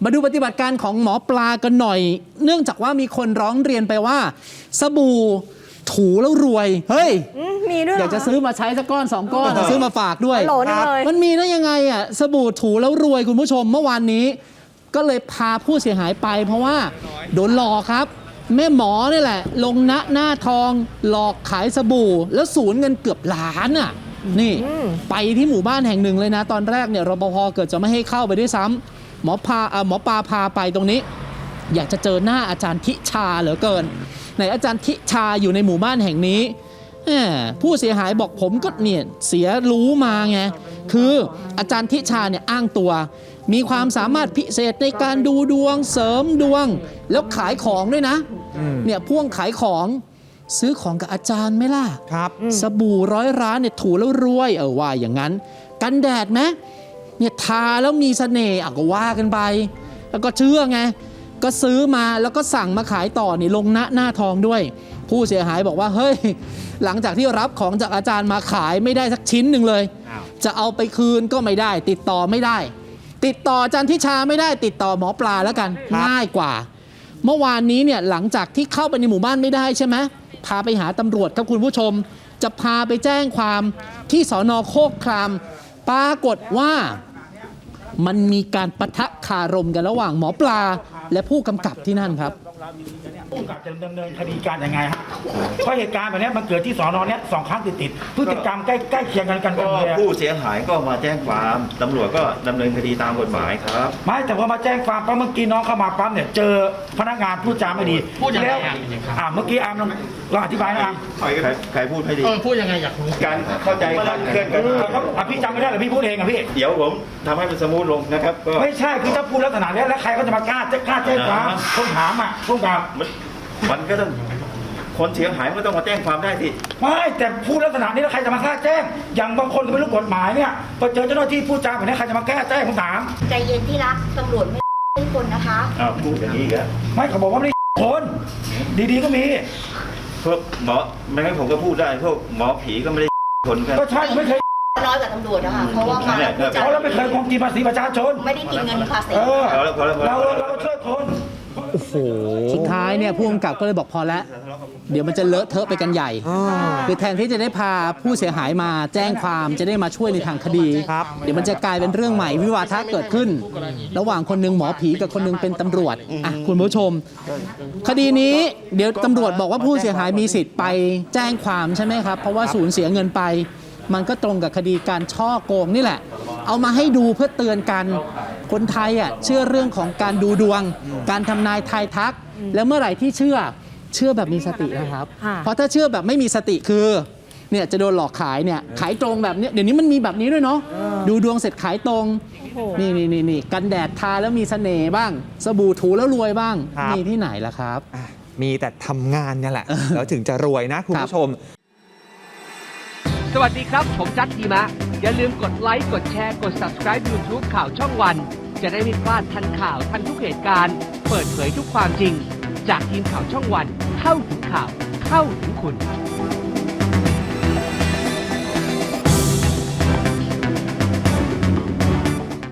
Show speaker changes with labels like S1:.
S1: มาดูปฏิบัติการของหมอปลากันหน่อย เนื่องจากว่ามีคนร้องเรียนไปว่าสบู่ถูแล้วรวยเฮ้ย
S2: มีด้วย
S1: อยากจะซื้อมาใช้สักก้อน2 ก้อนจะซื้อมาฝากด้วยมันมีได้ยังไงอ่ะสบู่ถูแล้วรวยคุณผู้ชมเมื่อวานนี้ก็เลยพาผู้เสียหายไปเพราะว่าโดนหลอกครับแม่หมอนี่แหละลงหน้าทองหลอกขายสบู่แล้วสูญเงินเกือบล้านอ่ะนี่ไปที่หมู่บ้านแห่งหนึ่งเลยนะตอนแรกเนี่ยรปภเกิดจะไม่ให้เข้าไปด้วยซ้ำหมอปลาพาไปตรงนี้อยากจะเจอหน้าอาจารย์ทิชาเหลือเกินไหนอาจารย์ทิชาอยู่ในหมู่บ้านแห่งนี้ผู้เสียหายบอกผมก็เนี่ยเสียรู้มาไงคืออาจารย์ทิชาเนี่ยอ้างตัวมีความสามารถพิเศษในการดูดวงเสริมดวงแล้วขายของด้วยนะเนี่ยพ่วงขายของซื้อของกับอาจารย์ไหมล่ะครับสบู่100 ร้านเนี่ยถูแล้วรวยว่าอย่างนั้นกันแดดไหมเนี่ยทาแล้วมีเสน่ห์ก็ว่ากันไปแล้วก็เชื่อไงก็ซื้อมาแล้วก็สั่งมาขายต่อนี่ลงหน้าทองด้วยผู้เสียหายบอกว่าเฮ้ยหลังจากที่รับของจากอาจารย์มาขายไม่ได้สักชิ้นหนึ่งเลยจะเอาไปคืนก็ไม่ได้ติดต่อไม่ได้ติดต่ออาจารย์ทิชาไม่ได้ติดต่อหมอปลาแล้วกันง่ายกว่าเมื่อวานนี้เนี่ยหลังจากที่เข้าไปในหมู่บ้านไม่ได้ใช่ไหมพาไปหาตำรวจครับคุณผู้ชมจะพาไปแจ้งความที่สน.โคกครามปรากฏว่ามันมีการปะทะคารมกันระหว่างหมอปลาและผู้กำกับที่นั่นครับ
S3: ผู้กำกับจะดำเนินคดีการยังไงฮะเพราะเหตุการณ์แบบนี้มันเกิดที่สน.เนี้ย2 ครั้งติดพฤติกรรมใกล้เคียงกันเลย
S4: ผู้เสียหายก็มาแจ้งความตำรวจก็ดำเนินคดีตามกฎหมายครับ
S3: ไม่แต่ว่ามาแจ้งความปั๊บเมื่อกี้น้องเข้ามาปั๊บเนี่ยเจอพนักงานพูดจาไม่ดีแล้วเมื่อกี้อาร์มลองอธิบายนะอาร์ม
S4: ใครพูดไม่ดี
S5: พูดยังไงอยากรู้
S4: การเข้าใจคลาดเคลื่อนกัน
S3: พี่จำไม่ได้หรือพี่พูดเองพี่
S4: เดี๋ยวผมทำให้มันสมูทลงนะครับ
S3: ไม่ใช่คือถ้าพูดลักษณะนี้แล้วใครก็จะมากล้าแจ้งความต้องถามต้องถาม
S4: มันก็ต้องคนเสียหายก็ต้องมาแจ้งความได้สิ
S3: ไม่แต่พูดลักษณะนี้แล้วใครจะมากล้าแจ้งอย่างบางคนก็ไม่รู้กฎหมายเนี่ยพอเจอเจ้าหน้าที่พูดจาแบบนี้ใครจะมากล้าแจ้งผมถาม
S6: ใจเย็นที่รักตำรวจไม่ใช่คนนะคะ
S4: พูดอย่างนี้กัน
S3: ไม่เขาบอกว่าไม่ใช่คนดีๆก็มี
S4: พวกหมอไม่งั้นผมก็พูดได้พวกหมอผีก็ไม่ได้คนกัน
S3: ก็ใช่ไม่เคย
S6: น้อยกว่าตำรวจนะคะเพราะว่ามา
S3: เราไม่เคยโกงกินภาษีประชาชน
S6: ไม่ได้กินเงินภาษี
S3: เราช่วยคน
S1: โอ้โหสุดท้ายเนี่ยผู้กำกับก็เลยบอกพอแล้วเดี๋ยวมันจะเลอะเทอะไปกันใหญ่คือแทนที่จะได้พาผู้เสียหายมาแจ้งความจะได้มาช่วยในทางคดีเดี๋ยวมันจะกลายเป็นเรื่องใหม่วิวาทะเกิดขึ้นระหว่างคนนึงหมอผีกับคนนึงเป็นตำรวจคุณผู้ชมคดีนี้เดี๋ยวตำรวจบอกว่าผู้เสียหายมีสิทธิ์ไปแจ้งความใช่ไหมครับเพราะว่าสูญเสียเงินไปมันก็ตรงกับคดีการช่อโกงนี่แหละเอามาให้ดูเพื่อเตือนกันคนไทยเชื่อเรื่องของการดูดวงการทำนายทายทักแล้วเมื่อไหร่ที่เชื่อแบบมีสตินะครับเพราะถ้าเชื่อแบบไม่มีสติคือเนี่ยจะโดนหลอกขายเนี่ยขายตรงแบบนี้เดี๋ยวนี้มันมีแบบนี้ด้วยเนาะดูดวงเสร็จขายตรงนี่กันแดดทาแล้วมีเสน่ห์บ้างสบู่ถูแล้วรวยบ้างมีที่ไหนล่ะครับ
S5: มีแต่ทำงานเนี่ยแหละแล้วถึงจะรวยนะคุณผู้ชม
S7: สวัสดีครับผมจัดดีมะอย่าลืมกดไลค์กดแชร์กด Subscribe YouTube ข่าวช่องวันจะได้ไม่พลาดทันข่าวทันทุกเหตุการณ์เปิดเผยทุกความจริงจากทีมข่าวช่องวันเข้าถึงข่าวเข้าถึงคุณ